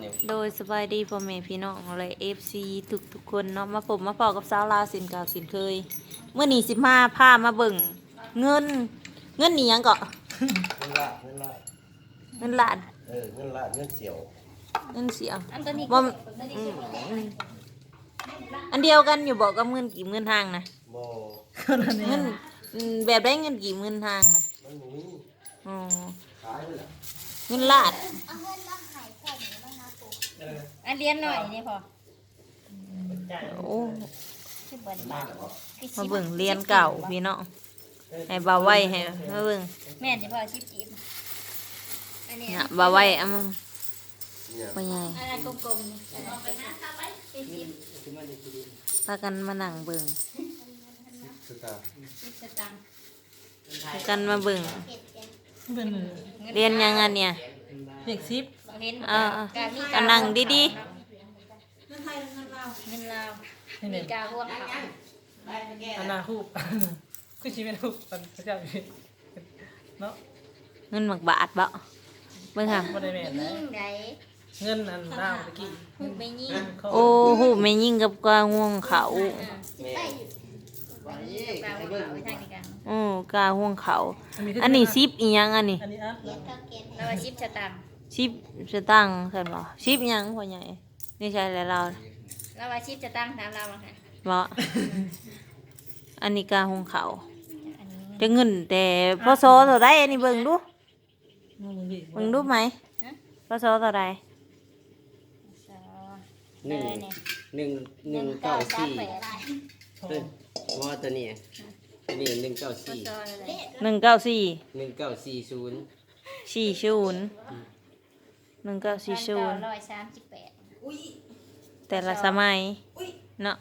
โดยสบายดีพ่อแม่พี่น้องเลยFC ทุกคนเนาะมาผมมาพอกับสาวลาวสินเก่าสินเคยเมื่อนี้15พามาเบิ่งเงินนี่หยังเกาะเงินล้านเงินละเงินเสียวเงินเสียงอันตัวนี้บ่อันเดียวกันอยู่บอกกับเงินกี่เงินทางนะบ่เงินแบบได้เงินกี่เงินทางนะมันบ่มีอ๋อขายเลยล่ะเงินล้านอันเรียนหน่อยนี่พอโอ้ชื่อเบิร์นมาเบิ่งเรียนเก่าพี่น้องให้บ่าวไว้ให้มาเบิ่งแม่นจะพอชิบจีบอันนี้เนี่ยบ่าวไว้เอามาเนี่ยบ่ใหญ่อันนั้นกลมๆนี่อันนั้นเป็นชิบพากันมานั่งเบิ่งคือตาชิบสตังค์พากันมาเบิ่งเป็นเรียนยังอันเนี่ยเด็กซิปเห็นการนั่งดีเงินลาวนี่มีเนี่ยกาห่วงเขาอันนาคูบคือชีวิตคูบมันพระเจ้าอยู่เนาะๆเงินหมักบาทบ่เบิ่งค่ะบ่ได้แม่นนะยิ่งใดเงินอันดาวตะกี้พูดไม่ยิ่งโอ้โหแม่ยิ่งกับกวางห่วงเขาแม่กาห่วงเขาไปทางนี้กันโอ้กาห่วงเขา อันนี้ซิปอีหยังอันนี้อันนี้อ่ะแล้วว่าชิบสตังค์ซิปสตังค์ซั่นบ่ซิปหยังพ่อใหญ่นี่ใช่แล้วเราแล้วว่าชิบสตังค์ถามเราบ้างค่ะบ่อันนี้กาห่วงเขาอันนี้แต่เงินแต่พศเท่าใดอันนี้เบิ่งดูน้องมึงดิเบิ่งดูไหมพศเท่าใดสองหนึ่งเนี่ยหนึ่ง 1938 เอ้ยว่าตัวนี้ตัวนี้194 ก็จอเลย 194 1940 1940 138 แต่ละสมัยเนาะ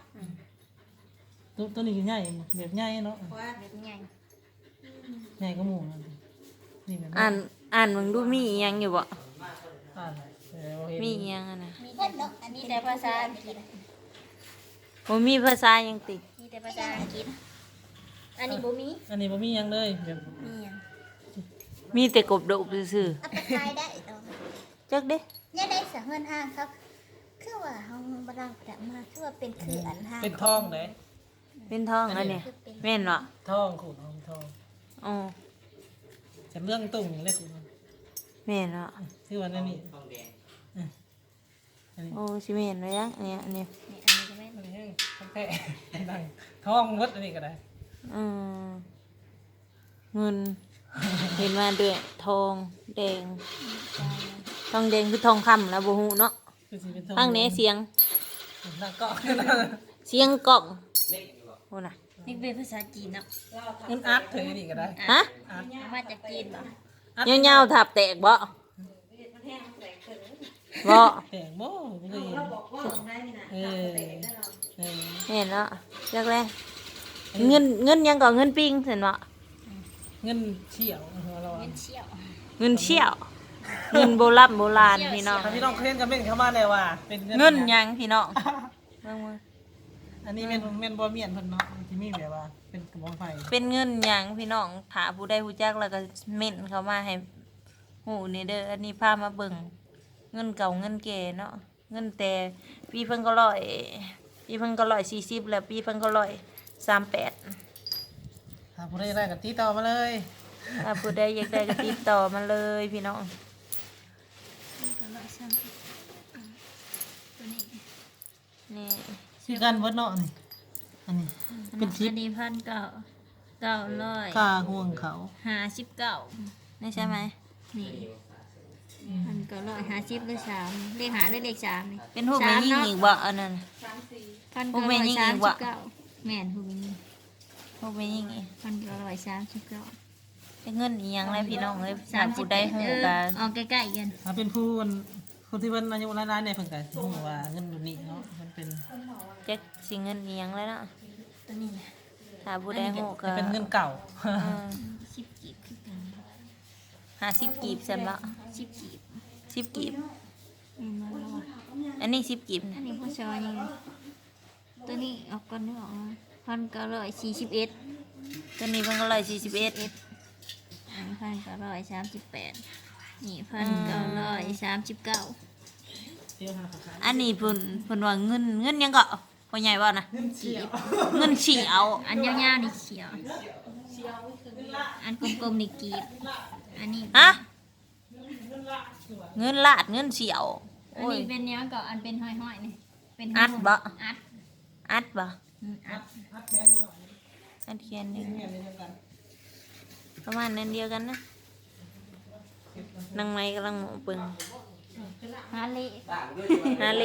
ตัวนี้คือใหญ่แบบใหญ่เนาะแบบใหญ่ใหญ่ก็หมู่นี่แบบอ่านมึงดูมีอีหยังอยู่บ่อ่านเห็นมีอีหยังอะนะมีแต่ภาษาอังกฤษบ่มีภาษาหยังติมีแต่ภาษาอังกฤษอันนี้บ่มีอันนี้บ่มีหยังเลยแบบมีหยังมีแต่กบดบซื่อเอาไปขายได้เอาๆจักเด้เนี่ยได้เสเงินห้างครับ คือว่าห้องบรังแต่มาคือว่าเป็นคืออันห้างเป็นทองเลยเป็นทองอันนี้แม่นบ่ทองขูดทองอ๋อจะเรื่องตุ่งเลยคุณแม่นบ่คือวันนี้อันนี้โอ้สิแม่นไว้ยังอันเนี้ยอันนี้นี่อันนี้ก็แม่นอันนี้ทองแท้ดังทองมดอันนี้ก็ได้อืมเงินเห็นมาด้วยทองแดงทองแดงคือทองคำแล้วบ่ฮู้เนาะคือสิเป็นทองฟังแหน่เสียงนั่งเกาะเสียงกล่องโอ้น่ะนี่เป็นภาษาจีนเนาะเงินอาร์ตถือนี่ก็ได้ฮะมาจากจีนบ่ยาวๆทับแตกบ่บ่แต่งโม่ไม่เคยเห็นเออเออเห็นแล้วจักแลเงินยังก็เงินปิ้งเห็นบ่เงินเชี่ยวเราเงินเชี่ยวเงินเชี่ยวเงินโบราณโบราณพี่น้องถ้าพี่น้องเคยเห็นก็เม่นเข้ามาเลยว่าเป็นเงินยังพี่น้องเบิ่งมาอันนี้เม่นบ่เมียนเพิ่นเนาะที่มีแบบว่าเป็นกระบอกไฟเป็นเงินยังพี่น้องถ้าผู้ใดรู้จักแล้วก็เม่นเข้ามาให้ฮู้นี่เด้ออันนี้พามาเบิ่งเงินเก่าเงินแก่เนาะเงินแต่ปีเพิ่นก็ปีเพิ่นก็140แล้วปีเพิ่นก็138 ถ้าผู้ใดได้ก็ติดต่อมาเลยถ้าผู้ใดอยากได้ก็ติดต่อมาเลยพี่น้องตัวนี้นี่ชื่อกันเบิดเนาะนี่อันนี้เป็นชิปอันนี้1,900 ค่าห่วงเขา 59 นี่ใช่ไหมนี่1,950เลข3เลข5เลข3นี่เป็นหูปแม่ยิ่งอีกบ่อันนั้น พวกแม่ยิ่งอีกวะแม่นผู้มีหูปแม่ยิ่งอีก 1,939 เป็นเงินอีหยังไรพี่น้องเอ้ยถ้าผู้ใดฮู้กันเอาใกล้ๆกันถ้าเป็นผู้ที่เพิ่นอายุหลายๆเนี่ยเพิ่นก็ฮู้ว่าเงินแบบนี้เนาะมันเป็นจักสิเงินอีหยังเลยเนาะตัวนี้นะถ้าผู้ใดฮู้ก็จะเป็นเงินเก่า 10กีบคือกัน 50กีบซั่นบ่ 10กีบ 10กีบนี่มาแล้วอะอันนี้10กีบอันนี้พ่อชอยนี่ตัวนี้เออกก่อนนึกออกมา1,941 ตัวนี้เพิ่นก็141 1,938นี่1,939 เดี๋ยวหาขาอันนี้เพิ่นว่าเงินยังก็พ่อใหญ่ว่านะเงินเสียวเงินเฉียวอันยาวๆนี่เขียว อันกลมๆนี่กีบอันนี้ฮะเงินลาดเงินเฉียวอันโอ้ยนี้เป็นเนี้ยกับอันเป็นห้อยๆนี่เป็นอัดบ่อัดอัดบ่อัดพัดแขนไปก่อนอัดเขียนหนึงแม่เลยทำกันประมาณนั้นเดียวกันนะนางไม้กำลังหมอปึงฮาเล่ฮาเล่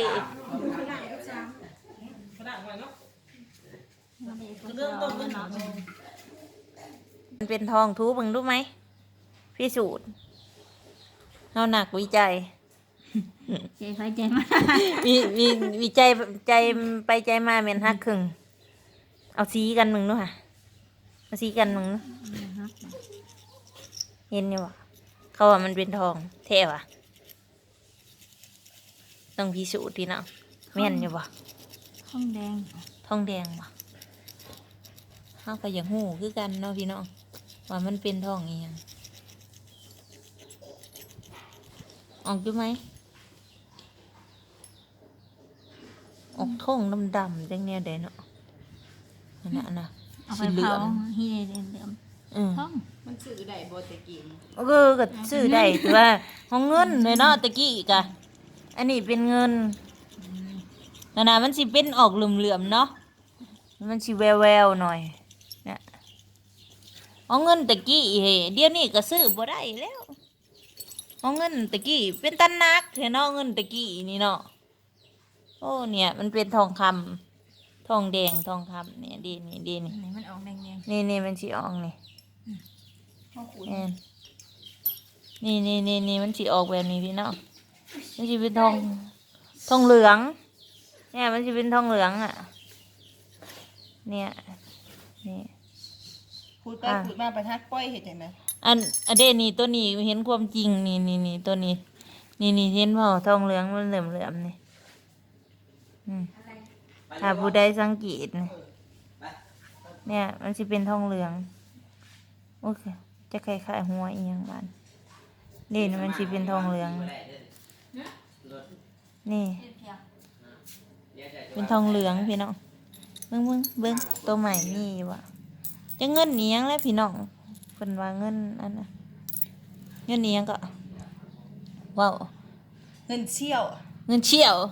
กระดาษไว้เนาะฮาเล่ก็เริ่มต้นเงินหนามันเป็นทองทูเบิ่งรู้ไหมพิสูจน์เอาหนักวิจัยใจไฟใจมาวิจัยใจไปใจมาเมียนฮักครึ่งเอาสีกันมึงด้วยค่ะเอาสีกันมึงเนาะเห็นอยู่วะเขาว่ามันเป็นทองแท้วะต้องพิสูจน์ทีเนาะแม่นอยู่วะห้องแดงทองแดงวะเขาก็อย่างหูคือกันเนาะพี่น้องว่ามันเป็นทองอีหยังออกอยู่ไหมออกทองดำๆจังเนี้ยเด้เนาะนั่นน่ะนะเอาไปสีเหลืเผาองที่เหลืองอืมห้องมันซื้อได้บ่ตะกี้ก็ซื้อได้แต่ว่าของเงินเลยเนาะตะกี้กะอันนี้เป็นเงินนั่นน่ะมันสิเป็นออกเหลื่อมๆเนาะมันสิแววๆหน่อยเนี่ยเอาเงินตะกี้เฮ้เดี๋ยวนี้ก็ซื้อบ่ได้แล้วเอาเงินตะกี้เป็นตันนักเห็นเนาะเงินตะกี้นี่เนาะโอ้เนี่ยมันเป็นทองคำทองแดงทองคำเนี่ยดีนี่ดีนี่ไหนมันออกแดงนี่มันสิออกนี่แม่นนี่มันสิออกแบบนี้พี่น้องมันสิเป็นทองเหลืองเนี่ยมันสิเป็นทองเหลืองอ่ะเนี่ยนี่พูดไปพูดมาประทัดป้อยเฮ็ดจังได๋อันเดนี่ตัวนี้เห็นความจริงนี่ตัวนี้นี่เห็นเปล่าทองเหลืองมันเหลื่อมนี่ถ้าผู้ใดสังเกตเนี่ยมันสิเป็นทองเหลืองโอเคจะคล้ายๆหัวอีหยังบ้านนี่มันสิเป็นทองเหลืองนี่เป็นทองเหลืองพี่น้องเบิ่งตัวใหม่นี่วะจะเงินอีหยังแล้วพี่น้องเพิ่นว่าเงินอันน่ะเงินอีหยังก็ว้าวเงินเชี่ยวเงินเฉียว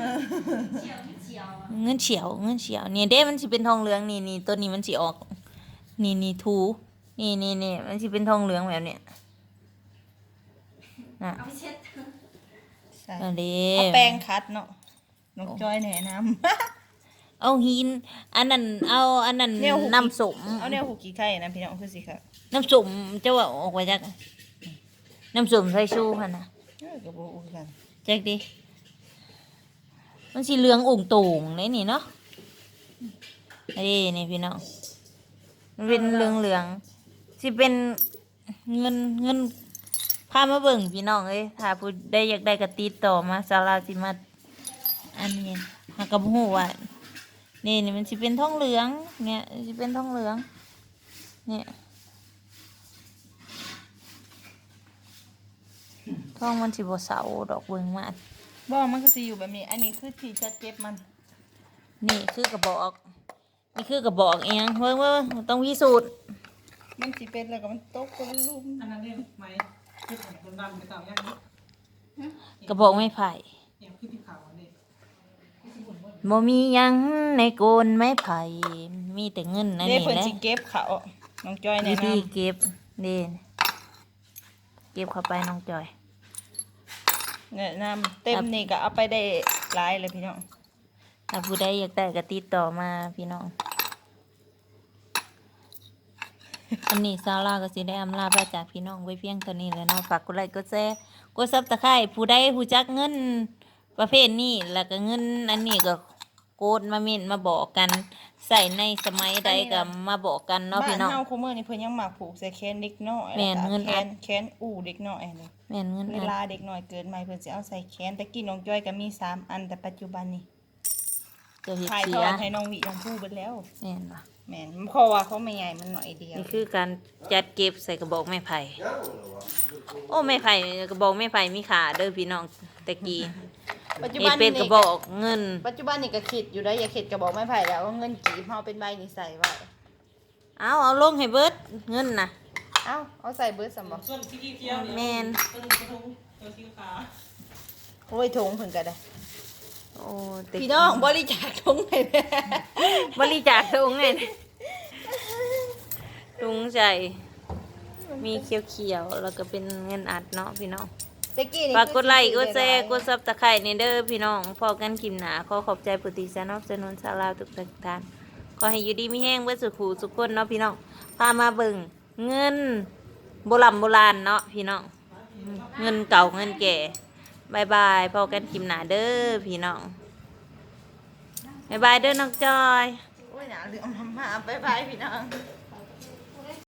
เงินเฉียวนี่เด้มันสิเป็นทองเหลืองนี่ตัวนี้มันสิออกนี่ทูนี่มันสิเป็นทองเหลืองแบบเนี้ยน่ะใช่อันนี้เอาแป้งคัดเนาะน้องจอยแนะนำเอาหินอันนั้นเอาอันนั้นแนวหุบน้ำสมเอาแนวหูกี่ไข่นะพี่น้องคือสิค่ะน้ำสมจะว่าออกมาจากน้ำสมใส่ชูหั่นน่ะก็บ่รู้กันจักดิมันสิเหลืององค์โต่งได้นี่เนาะนี่พี่น้องมันเป็นเหลืองสิเป็นเงินพามาเบิ่งพี่น้องเอ้ยถ้าผู้ใดอยากได้ก็ติดต่อมาศาลาสิมาอันนี้หากระหูว่านี่มันสิเป็นทองเหลืองเนี่ยสิเป็นทองเหลืองเนี่ยทองมันสิบ่เสาดอกเบิ่งมาบ่มันก็สิอยู่แบบนี้อันนี้คือที่จะเจ็บมันนี่คือกระบอกนี่คือกระบอกเองเบิ่งต้องพิสูจน์มันสิเป็นแล้วก็มันตกก็ลุ่มอันนั้นเรียกไหมคือคนดำไปต่างอย่างนี้กระบอกไม้ไผ่อย่างคือที่ขาวอันนี้บ่มีหยังในโกนไม้ไผ่มีแต่เงินอันเด้นี้เพิ่นแหละสิเก็บเขาน้องจอยแนะวินำธีเก็บนี่เก็บเข้าไปน้องจอยแนะนำเต็มนี่ก็เอาไปได้หลายเลยพี่น้องถ้าผู้ใดอยากได้ก็ติดต่อมาพี่น้องอันนี้ซาร่าก็สิได้อำลาไปจากพี่น้องไว้เพียงเท่านี้แหล้วเนาะฝากกดไลค์กดแชร์กดซับสไครต์ผู้ใดผู้จักเงินประเภทนี้แล้วก็เงินอันนี้ก็โกดมาเม่นมาบอกกันใส่ในสมัยใดก็มาบอกกันเนาะบ้าพี่นน้องเฮาคุมื้อนี้เพิ่นยังมักผูกใส่แขนเด็กน้อยแม่นเงินแขอัดนแขนอู่เด็กน้อยเลยแม่นเงินเวอัดลาเด็กน้อยเกิดใหม่เพิ่นสิเอาใส่แขนแต่กี้น้องจ้อยก็มี3อันแต่ปัจจุบันนี้เจะเห็ดถ่ายเสีทอย ดให้น้องวิน้องผู้เบิดแล้วแม่นปะแม่นเพราะว่าเขาไม่ใหญ่มันหน่อยเดียวนี่คือการจัดเก็บใส่กระบอกไม้ไผ่ยังเหรอวะโอ้ไม้ไผ่กระบอกไม้ไผ่มีขาเด้อพี่น้องตะกี้ปัจจุเฮ็บัดนเป็นนี่กระบอกเงินปัจจุบันนี่ก็คิดอยู่ได้อย่าคิดกระบอกไม้ไผ่แล้วว่าเงินกีบเฮาเป็นใบนี่ใส่ไว้เอาลงให้เบิดเงินน่ะเอาใส่เบิร์ดสมบัติส่วนสีเขียวนี่แม่นต้นกระทงตัวสีขาวโอ้ยถุงเพิ่นก็ได้โอ้แต่พี่น้องบริจาคถุงให้แม่บริจาคถุงไงถุงใส่มีเขียวๆแล้วก็เป็นเงินอัดเนาะพี่น้องตะกี้นี่ฝากกดไลค์กดแชร์กดซับสไครต์นี่เด้อพี่น้องพอกันคลิปหน้าขอขอบใจผู้ที่สนับสนุนชาวลาวทุกท่านขอให้อยู่ดีมีแห้งเบิดสุขหูสุขคนเนาะพี่น้องพามาเบิ่งเงินโบราณเนาะพี่น้องเงินเก่าเงินแก่บายบายพอกันคลิปหน้าเด้อพี่น้องบายบายเด้อน้องจอยโอ้ยหนาเรื่องมาบ๊ายบายพี่น้อง